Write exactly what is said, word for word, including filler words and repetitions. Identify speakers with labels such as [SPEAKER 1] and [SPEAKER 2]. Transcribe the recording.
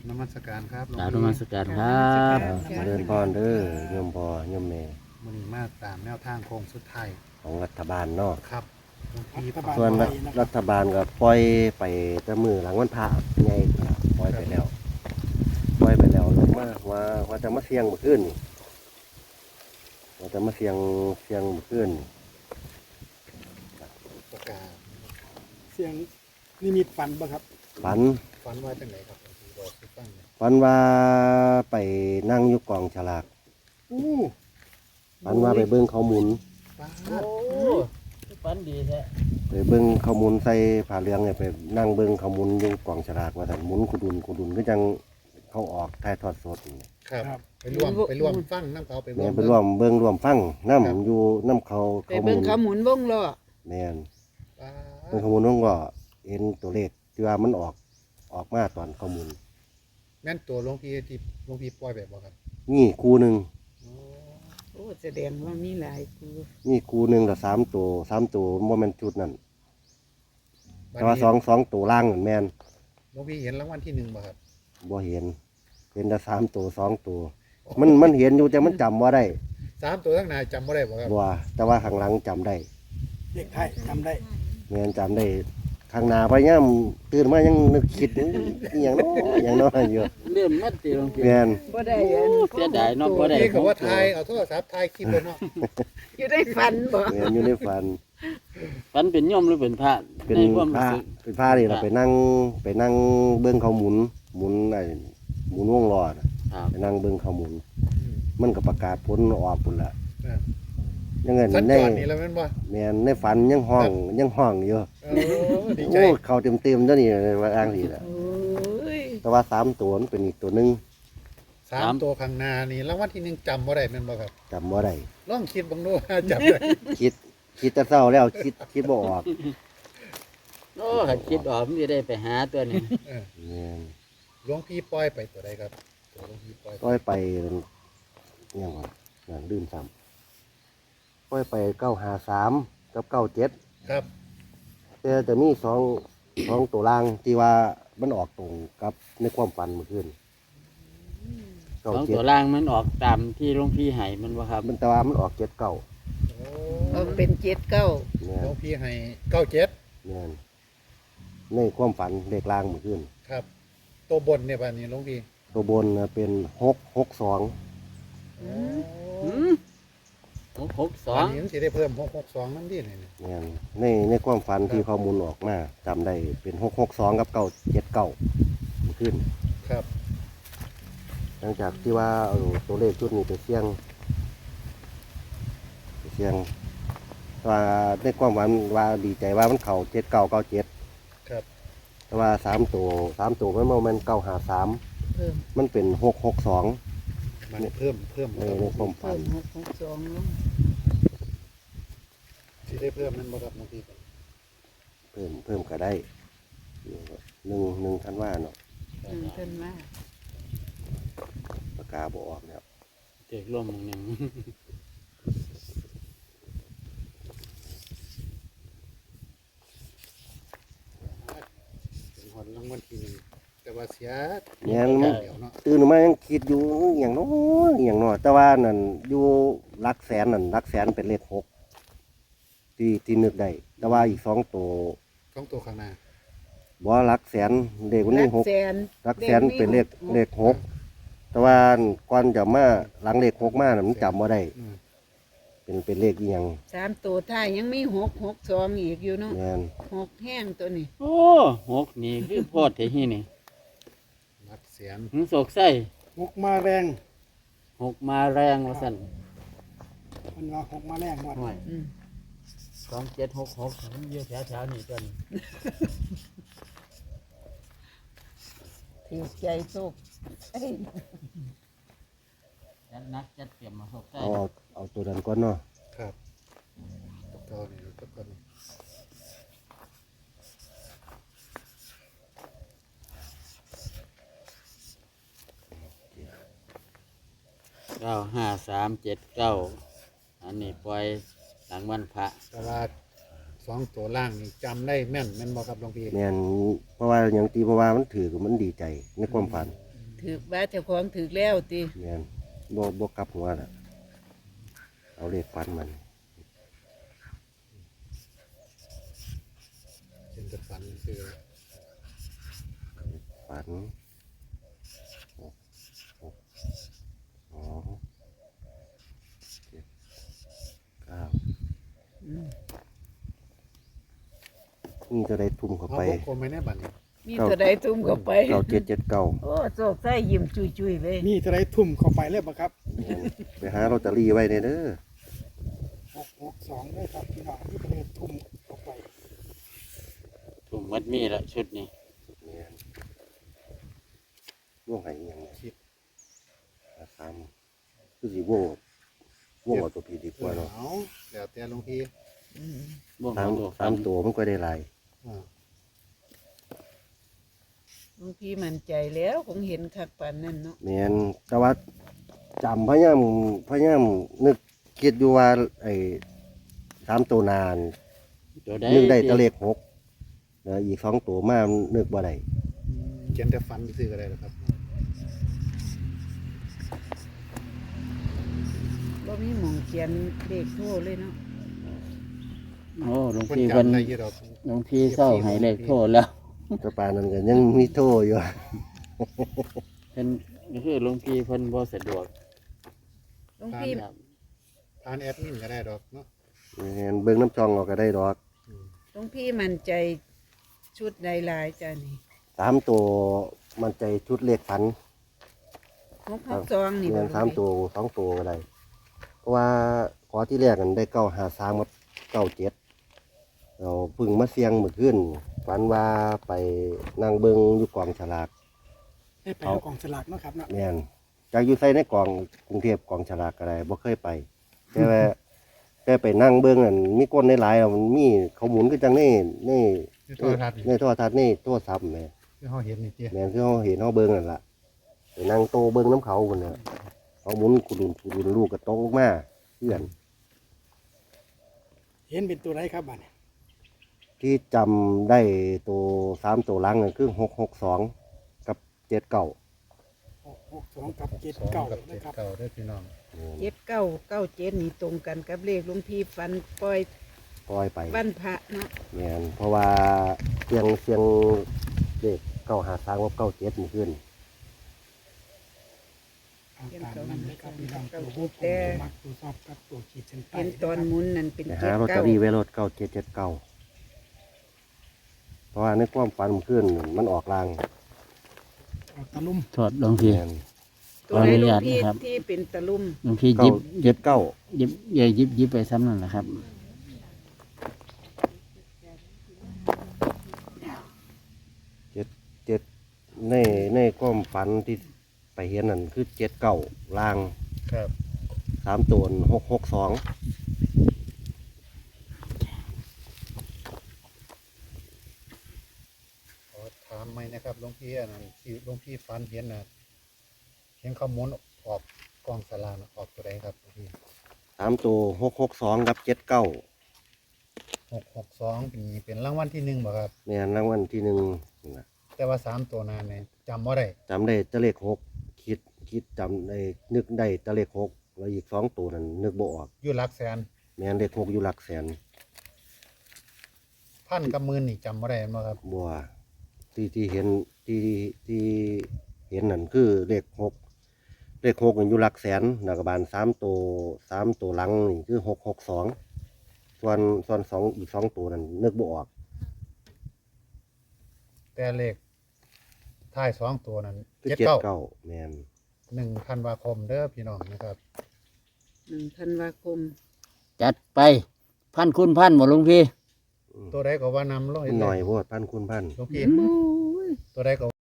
[SPEAKER 1] นมัสการครับหลวง
[SPEAKER 2] กราบน
[SPEAKER 1] พี่
[SPEAKER 2] มัสการครับ
[SPEAKER 3] มาเดินพรเด้อโยมพ่อโยมแม่
[SPEAKER 1] มื้อนี้มาตามแนวทางโค้งสุดท้าย
[SPEAKER 3] ของรัฐบาลเนาะ
[SPEAKER 1] ครับหลวงพี่
[SPEAKER 3] ส่วนรัฐรัฐบาลก็ปล่อยไปแต่มือหลังวันพระใหญ่ก็ปล่อยไปแล้วปล่อยไปแล้วลงมาว่าว่าจะมาเสี่ยงเมื่อคืนนี่ว่าจะมาเสี่ยงเสี่ยงเมื่อคืนนี่
[SPEAKER 1] ประกาศ
[SPEAKER 4] เสียงนิมิตฝันบ่ครับ
[SPEAKER 3] ฝัน
[SPEAKER 1] ฝันว่าจังไหนครับหลวงพี่บอกสิฟังหน่อย
[SPEAKER 3] ฝันว่าไปนั่งอยู่กองฉลาก
[SPEAKER 4] อู้
[SPEAKER 3] ฝันว่าไปเบิ้งเขาหมุน
[SPEAKER 1] ป้า
[SPEAKER 2] โอ้
[SPEAKER 1] ด
[SPEAKER 2] ฝันดีแท้
[SPEAKER 3] ไปเบิ้งเขาหมุนใส่ผ้าเหลืองเนี่ยไปนั่งเบิ้งเขาหมุนอยู่กองฉลากว่าแต่นหมุนกุดุนกุดุนก็จังเขาออกถ่ายทอดสดนี่
[SPEAKER 1] ครับไปร่วมไปร่วมฟังน้ำเขาไปร่
[SPEAKER 3] แม่
[SPEAKER 1] วม
[SPEAKER 3] นไปร่วมเบิ้งร่วมฟังน้ำอยู่น้ำเขา
[SPEAKER 5] ไป
[SPEAKER 3] เขาห
[SPEAKER 5] เบิ่
[SPEAKER 3] มุ
[SPEAKER 5] ง
[SPEAKER 3] น
[SPEAKER 5] เขาหมุนวงล้อ
[SPEAKER 3] แม่น
[SPEAKER 1] ป้า
[SPEAKER 3] เบิ้งเขาหมุนน้องก็เห็นตัวเลขที่ว่ามันออกออกมาตอนเขาหมุน
[SPEAKER 1] แม่นตัวหลวงพี่ที่หลวงพี่ปล่อยแบบบ่ครับ
[SPEAKER 3] นี่คูหนึ่ง
[SPEAKER 1] โอ้
[SPEAKER 5] โอ้แสดงว่ามีหลายกู
[SPEAKER 3] นี่คูหนึ่งแต่สามตัวสามตัวโมเมนต์ชุดนั่น
[SPEAKER 1] บัด
[SPEAKER 3] แต่ว่า
[SPEAKER 1] นี้
[SPEAKER 3] สองสองตัวล่างนั่นแม่น
[SPEAKER 1] หลวงพี่เห็นรางวัลที่หนึ่งบ่ครับ
[SPEAKER 3] บ่เห็นเห็นแต่สามตัวสองตัว มันมันเห็นอยู่แต่มันจำว่าได้
[SPEAKER 1] สามตัวทั้งหนายจำบ่ได้บ่ครับ
[SPEAKER 3] บัวแต่ว่าข้างหลังจำได้
[SPEAKER 4] เด็กไทยจำได้
[SPEAKER 3] แม่นจำได้ข้างหน้าไปย่ำตื่นมายังนึกคิดอหย่างน้อยอหย่างน้อยอยู่
[SPEAKER 2] เริ่มมัดตีลงเพีย
[SPEAKER 3] แม่น
[SPEAKER 5] บ่ได้อัน
[SPEAKER 2] เสียดายเนาะบ่ได้
[SPEAKER 1] นี่ก็ว่าถ่ายเอาโทรศัพท์ถ่ายคลิปเลยเนาะ
[SPEAKER 5] อยู่ได้ฝันบ่
[SPEAKER 3] แม่นอยู่ในฝัน
[SPEAKER 2] ฝันเป็นโยมหรือเป็นพระ
[SPEAKER 3] เป็น
[SPEAKER 2] ในความ
[SPEAKER 3] พ
[SPEAKER 2] รู้
[SPEAKER 3] ระ
[SPEAKER 2] สึก
[SPEAKER 3] เป็นพระนี่เราไปนั่งไปนั่งเบิ้งเขาหมุนหมุนไอ้หมุนวงล้อน่ะ
[SPEAKER 2] ครับ
[SPEAKER 3] ไปนั่งเบิ้งเขาหมุน
[SPEAKER 1] อืม
[SPEAKER 3] มันก็ประกาศผลออกพุ่นละ
[SPEAKER 1] เออ
[SPEAKER 3] ยังไง
[SPEAKER 1] สัญ
[SPEAKER 3] ใน
[SPEAKER 1] จรนี่แล้วแม่นบ่
[SPEAKER 3] แม่นในฝันยังห้องยังห้องอยู่
[SPEAKER 1] เออดีใจ
[SPEAKER 3] โอ้เขาเต็มเต็มๆเจ้านี่ว่าอ้างสิละ
[SPEAKER 5] โอ้ย
[SPEAKER 3] แต่ว่าสามตัวมันเป็นอีกตัวหนึง
[SPEAKER 1] สามตัวข้างหน้านี่รางวัลที่หนึ่งจำบ่ได้แม่นบ่ครับ
[SPEAKER 3] จำว่าได้
[SPEAKER 1] ลองคิดบังดูว่าจำได้
[SPEAKER 3] คิดคิดแต่เศร้าแล้วคิดคิดบ่ออก
[SPEAKER 2] โอ้ขัดคิดออกมันจะได้ไปหาตัวนี้
[SPEAKER 1] เออ
[SPEAKER 3] แม่น
[SPEAKER 1] หลวงพี่ปล่อยไปตัวใดครับตัวหลวงพี่ปล่อย
[SPEAKER 3] ก้อยไปยังไงอย่างดื่มซ้ำก้อยไปเก้าหาสามกับเก้าเจ็ด
[SPEAKER 1] ครับ
[SPEAKER 3] แต่จะมีสองสองตัวล่างที่ว่ามันออกตรงกับในความฝันเมื่อคืน
[SPEAKER 2] ส
[SPEAKER 3] เก้า
[SPEAKER 2] อง
[SPEAKER 3] เจ็ด
[SPEAKER 2] ตัวล่างมันออกตามที่หลวงพี่ให้มันบ่ครับ
[SPEAKER 3] มันแต่ว่ามันออกเจ็ดเก้า
[SPEAKER 1] โอ้
[SPEAKER 5] ออกเป็นเจ็ดเก้า
[SPEAKER 3] เนี่ย
[SPEAKER 1] หลวงพี่ให้เก้าเจ็ด
[SPEAKER 3] เนี่ยในความฝันเลขล่างเมื่อคืน
[SPEAKER 1] ครับ ตัวบนเนี่ยบ้านนี้หลวงพี่
[SPEAKER 3] ตัวบนน่ะเป็นหกหกสอง
[SPEAKER 1] โอ้
[SPEAKER 2] หืมหกหกสอ
[SPEAKER 1] อัน
[SPEAKER 2] ง
[SPEAKER 1] นี้มันสิได้เพิ่มหกหกสองนั่นดิเนี่ย
[SPEAKER 3] เนี่ยในในความฝันที่ข้อมูลออกมาจำได้เป็นหกหกสองกับเก้าเจ็ดเก้าเมื่อคืน
[SPEAKER 1] ครับ
[SPEAKER 3] หลังจากที่ว่าเอาตัวเลขชุดนี้ไปเสี่ยงไปเสี่ยงว่าในความหวังว่าดีใจว่ามันเข่าเจ็ดเก้าเก้าเจ็ด
[SPEAKER 1] ครับ
[SPEAKER 3] แต่ว่าสามตัวสามตัวมันมันเก้าหาสาม
[SPEAKER 5] เพิ่ม
[SPEAKER 3] มันเป็นหกหกสอง
[SPEAKER 1] มันเพิ่มเพิ่ม
[SPEAKER 3] ในในความฝั
[SPEAKER 5] เพิ่
[SPEAKER 3] น
[SPEAKER 5] มหกหกสองลง
[SPEAKER 1] สิได้เพิ่มนั่นบ่ครับหลวงพี่
[SPEAKER 3] เพิ่มเพิ่มก็ได้หนึ่งหนึ่งทันว่าเนาะ
[SPEAKER 5] อืมเพิ่นว่า
[SPEAKER 3] ปากกาบออกแล้ว
[SPEAKER 2] เด็กร่วมหนึ่ง
[SPEAKER 1] เป็นหอนรางวัลที่หนึ่งแต่ว่าเสีย
[SPEAKER 3] เนี่ย
[SPEAKER 1] เ
[SPEAKER 3] มัน
[SPEAKER 1] ดี๋ยวเนาะ
[SPEAKER 3] ตื่นมายังคิดอยู่อหย่างน้อยอหย่างน้อยแต่ว่านั่นอยู่หลักแสนนั่นหลักแสนเป็นเลขหกที่ที่นึกได้แต่ว่าอีกสองตัว
[SPEAKER 1] ของตัวข้างหน้า
[SPEAKER 3] บ่หลักแสนเลขวัน
[SPEAKER 5] หลั
[SPEAKER 3] นี้
[SPEAKER 5] ก
[SPEAKER 3] หก
[SPEAKER 5] แสน
[SPEAKER 3] หลักแสนเป็นเลขเลขหกแต่ว่าก่อนจะมาหลังเลขหกมาน่ะมันจำว่าได้
[SPEAKER 1] อืม
[SPEAKER 3] เป็นเป็นเลขอีหยัง
[SPEAKER 5] สามตัวท้ายยังมีหกหกสองอีกอยู่เนาะ
[SPEAKER 3] แม่น
[SPEAKER 5] หกแห้งตัวนี้
[SPEAKER 2] โอ้หกนี่คือโพอดเที่นี่
[SPEAKER 1] หลักเสียน
[SPEAKER 2] หึงโศกไส้
[SPEAKER 4] หกมาแรง
[SPEAKER 2] หกมาแรงว่าสั่น
[SPEAKER 4] มันว่าหกมาแรงหมด
[SPEAKER 2] ห่วย
[SPEAKER 5] อืม
[SPEAKER 2] สองเจ็ดหกหกมันเยอะแถวๆนี่ตัวนี้
[SPEAKER 5] ถือใจโชคเอ้ย
[SPEAKER 2] จัดนักจัดเตรียมมาโศกไส้
[SPEAKER 3] เอาเอาเอาตัวนั้นก่อนเนาะ
[SPEAKER 1] ครับตัวเก่านี่ตัวเก่านี่
[SPEAKER 2] เก้าห้าสามเจ็ดเก้าอันนี้ปล่อยหลังวันพระ
[SPEAKER 1] แต่ว่าสองตัวล่างนี่จำได้แม่นแม่นบ่ครับหลวงพี่
[SPEAKER 3] แม่นเพราะว่าอย่างตีเพราะว่ามันถือมันดีใจในความฝัน
[SPEAKER 1] อ
[SPEAKER 5] ถือว่าเจ้าของถือแล้วติ
[SPEAKER 3] แม่นบ่บ่กลับหัวน่ะเอาเลขฝันมัน
[SPEAKER 1] เป็นจะฝันคือ
[SPEAKER 3] ฝันหกหกสองเจ็ดเก้า
[SPEAKER 5] อืม
[SPEAKER 3] นี่จะได้ทุ่มเข้า
[SPEAKER 1] เอา
[SPEAKER 3] ไป
[SPEAKER 1] วงกลมไม่แน่บัดนี้
[SPEAKER 5] มีเท่าใดทุ่มเข้าไป
[SPEAKER 3] เก้าเจ็ดเจ็ดเก้า
[SPEAKER 5] โอ้โศกใส่ยิ้มจุยๆเลย
[SPEAKER 4] มีเท่าไรทุ่มเข้าไปเลยบ่ครับ
[SPEAKER 3] ไปหาลอตเตอรี่ไว้เด้อ
[SPEAKER 4] หกหกสองเลยครับพี่น้องมีเท่าไรทุ่มเข้าไป
[SPEAKER 2] ถุงมัดมีละชุดนี้
[SPEAKER 3] เนี่ยว่วงไหยังไง
[SPEAKER 1] คิด
[SPEAKER 3] สามคือสิว่วงว่วงเอาตัวพีดีกว่าเนาะ
[SPEAKER 1] เอาแล้วแต่หลวงพี่
[SPEAKER 5] อืม
[SPEAKER 2] บ่
[SPEAKER 3] สาม
[SPEAKER 2] ตัว
[SPEAKER 3] สามตัวมันก็ได้หลาย
[SPEAKER 1] อ่า
[SPEAKER 5] หลวงพี่มั่นใจแล้วคงเห็นคักปานนั้นเนาะ
[SPEAKER 3] แม่นแต่ว่าจำพยายามพยายามนึกคิดอยู่ว่าไอ้สามตัวนาน
[SPEAKER 2] ตัวใด
[SPEAKER 3] นึกได้แตัวเลขหกแล้วอีกสองตัวมานึกบ่ได้
[SPEAKER 1] เขียนแต่ฝันซื้อก็ได้แล้วครับ
[SPEAKER 5] บ่มีหมองเขียนเลขโทรเลยเนาะ
[SPEAKER 2] โอ้หลวง
[SPEAKER 1] คน
[SPEAKER 2] พี่เพิ่น
[SPEAKER 1] จำได้อยี่ดอก
[SPEAKER 2] หลวงพี่เศร้าให้เลขโทษแล้ว
[SPEAKER 3] แตะปานนั้นก็ยังมีโทอยู่
[SPEAKER 2] เพิ่นก็คือหลวงพี่เพิ่นบ่สะดวก
[SPEAKER 5] หลวงพี่
[SPEAKER 2] ครับ
[SPEAKER 1] ทานแอดมินก็ได้ดอกเนาะ
[SPEAKER 3] แม่นเบิ่งน้ำจองเราก็ได้ดอก
[SPEAKER 1] อืม
[SPEAKER 5] หลวงพี่มั่นใจชุดใดหลายจ้านี่
[SPEAKER 3] สามตัวมันใจชุดเลขฝัน
[SPEAKER 5] หกหกสองนี่
[SPEAKER 3] เงิ
[SPEAKER 5] บ่
[SPEAKER 3] น
[SPEAKER 5] หล
[SPEAKER 3] สาว ม
[SPEAKER 5] งพี่
[SPEAKER 3] ตัวสองตัวก็ได้เพราะว่าขอที่แรกกันได้เก้าหาสามกับเก้าเจ็ดเราเพึ่งมาเสียงเมื่อคืนฝันว่าไปนั่งเบิงอยู่กองฉลาก
[SPEAKER 4] ได้ไปเอากล่องสลากเนาะครับเนาะ
[SPEAKER 3] แม่นจากอยู่ใส่ในกองกรุงเทพกองฉลากก็ได้บ่เคยไป แต่ว่าแต่ไปนั่งเบิงนั่นมีก้นในหลายๆอะมันมีเขาหมุนก็จังนี่นี่
[SPEAKER 1] นี่โทรทัศน์
[SPEAKER 3] ในโทรทัศน์นี่โทรศัพท์แหม่
[SPEAKER 1] ที่เขาเห็นนี่เตี้ย
[SPEAKER 3] แม่นคือเขาเห็นเขาเบิงนั่นล่ะไปนั่งโตเบิงน้ำเขาคนน่ะเขาหมุนกุลุนกุลุนลูกกระตกลงมาเพื่อน
[SPEAKER 4] เห็นเป็นตัวไรครับบัดนี้
[SPEAKER 3] ที่จำได้ตัวสามตัวหลังนั่นคือหกหกสองกับเจ็ดเก้า
[SPEAKER 4] หกหกสองกับเจ็ด
[SPEAKER 1] สอง
[SPEAKER 4] เก้า
[SPEAKER 1] กับ
[SPEAKER 4] นะ
[SPEAKER 1] เจ็ด
[SPEAKER 4] ครับ
[SPEAKER 1] เก้าได้อพี่น้อง
[SPEAKER 5] เจ็ดเก้าเก้าเจ็ดนี่ตรงกันกับเลขหลวงพี่ฟันปล่อย
[SPEAKER 3] ปล่อยไป
[SPEAKER 5] วันพระเนาะ
[SPEAKER 3] แม่นเพราะว่าเสียงเสียงเด็กเก้าหาสามกับเก้าเจ็ดมันขึ้น
[SPEAKER 4] เอาตามนั้นเลยครับพี่น้องตัวผู้ผมมักตัวชอบกับตัวขีดเส้นใต้
[SPEAKER 5] เห็นตอนหมุนนั่นเป็น
[SPEAKER 3] ไป
[SPEAKER 5] เจ็
[SPEAKER 3] หา
[SPEAKER 5] ด
[SPEAKER 3] ลอตเต
[SPEAKER 5] เก้า
[SPEAKER 3] อรี่ไว้รถเก้าเจ็ดเจ็ดเก้าเพราะว่าในความฝันมันขึ้นมันออกลาง
[SPEAKER 4] เอาตะลุ่ม
[SPEAKER 2] โทษหลวงพี่
[SPEAKER 3] แม่น
[SPEAKER 5] ตัวไหนหลวงพี่
[SPEAKER 2] ขออนุญาตนะครับ
[SPEAKER 5] ที่เป็นตะลุ่ม
[SPEAKER 2] หลวงพี่ห
[SPEAKER 3] เก้า
[SPEAKER 2] ยิบหยิ
[SPEAKER 3] เจ็
[SPEAKER 2] บ
[SPEAKER 3] ดเก้า
[SPEAKER 2] หยิบใหญ่หยิบหยิบไปซ้ำนั่นแหละครับ
[SPEAKER 3] เจ็ดเจ็ดในในความฝันที่ไปเห็นนั่นคือเจ็ดเก้าลาง
[SPEAKER 1] ครับ
[SPEAKER 3] สามตัวหกหกสอง
[SPEAKER 1] ขอถามไหมนะครับหลวงพี่อันนั้นที่หลวงพี่ฝันเห็นน่ะเห็นเขาหมุนออกกองสลากน่ะออกตัวใดครับหลวงพี่
[SPEAKER 3] สามตัวหกหกสองกับเจ็ดเก้า
[SPEAKER 1] หกหกสองเป็นเป็นรางวัลที่หนึ่งบ่ครับ
[SPEAKER 3] เนี่ยรางวัลที่หนึ่งนะ
[SPEAKER 1] แต่ว่าสามตัวนานเนี่ยจำว่าได้
[SPEAKER 3] จำได้แตะเลขหกคิดคิดจำได้นึกได้แตะเลขหกแล้วอีกสองตัวนั้นนึกบ่ออก
[SPEAKER 1] อยู่หลักแสน
[SPEAKER 3] แม่นเลขหกอยู่หลักแสน
[SPEAKER 1] พันกับหมื่นนี่จำว่าได้บ่ครับ
[SPEAKER 3] บัวที่ที่เห็นที่ที่เห็นนั่นคือเลขหกเลขหกมันอยู่หลักแสนนักบาลสามตัวสามตัวหลังนี่คือหกหกสองส่วนส่วนสองอีกสองตัวนั้นนึกบ่ออก
[SPEAKER 1] แต่เลขท้ายสองตัวนั้น
[SPEAKER 3] คือ
[SPEAKER 1] เจ็ด
[SPEAKER 3] เจ็ด
[SPEAKER 1] เก้า
[SPEAKER 3] เก้าแม่น
[SPEAKER 1] หนึ่งธันวาคมเด้อพี่น้องนะครับ
[SPEAKER 5] หนึ่งธันวาคม
[SPEAKER 2] จัดไปพันคุณพันหมดหลวงพี่
[SPEAKER 3] อืม
[SPEAKER 1] ตัวใดก็ว่านำร้อย
[SPEAKER 3] หน่อยโพดพันคุณพัน
[SPEAKER 1] หลวงพี่ตัวใดก็